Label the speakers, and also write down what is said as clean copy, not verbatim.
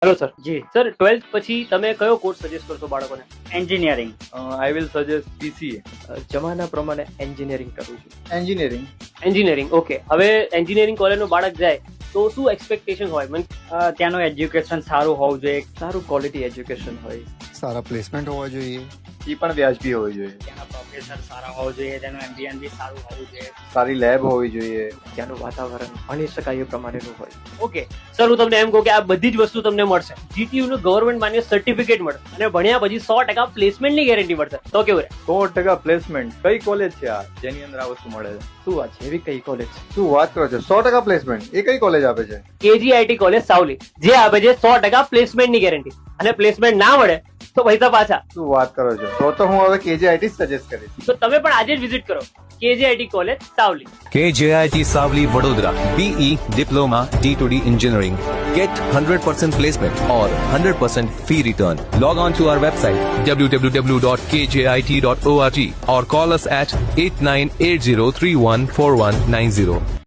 Speaker 1: Hello sir.
Speaker 2: જી
Speaker 1: sir 12th પછી તમે કયો કોર્સ સજેસ્ટ કરશો બાળકોને?
Speaker 2: Engineering.
Speaker 3: I will suggest PCA.
Speaker 4: જમાના પ્રમાણે એન્જિનિયરિંગ કરવું છું.
Speaker 5: એન્જિનિયરિંગ.
Speaker 1: એન્જિનિયરિંગ. ઓકે, હવે એન્જિનિયરિંગ કોલેજનો બાળક જાય તો શું એક્સપેક્ટેશન હોય?
Speaker 2: ત્યાંનું એજ્યુકેશન સારું હોવું જોઈએ,
Speaker 4: સારું ક્વોલિટી એજ્યુકેશન હોય,
Speaker 6: સારા પ્લેસમેન્ટ હોવા જોઈએ,
Speaker 5: એ પણ વ્યાજબી હોવી જોઈએ,
Speaker 2: ત્યાંના પ્રોફેસર સારા હોવું જોઈએ, તેનું એમ્બિયન્સ બી સારું હોવું જોઈએ.
Speaker 5: સારી લેબ હોવી જોઈએ.
Speaker 4: ત્યાંનું વાતાવરણ ભણી શકાય એ પ્રમાણેનું હોય.
Speaker 1: ઓકે સર, હું તમને એમ કહું કે આ બધી જ વસ્તુ તમને મળશે. GTU નું ગવર્મેન્ટ માન્ય સર્ટિફિકેટ મળશે અને ભણ્યા પછી 100% પ્લેસમેન્ટની ગેરંટી મળશે. તો કેવું રહે?
Speaker 3: 100% પ્લેસમેન્ટ. કઈ કોલેજ છે આ જેની અંદર આ વસ્તુ મળે છે?
Speaker 4: શું વાત છે? એવી કઈ કોલેજ?
Speaker 5: શું વાત કરો છો? 100% પ્લેસમેન્ટ. એ કઈ કોલેજ આપે છે?
Speaker 1: KGIT કોલેજ સાવલી, જે આપે છે 100% પ્લેસમેન્ટની ગેરંટી. અને પ્લેસમેન્ટ ના મળે તો પૈસા પાછા.
Speaker 5: શું વાત કરો છો? તો હું હવે KJIT સજેસ્ટ કરીશ.
Speaker 1: તો તમે પણ આજે જ વિઝિટ કરો KGIT college Savli.
Speaker 7: KJIT Savli Vadodara, BE Diploma D2D Engineering. Get 100% placement or 100% fee return. Log on to our website www.kjit.org or call us at 8980314190.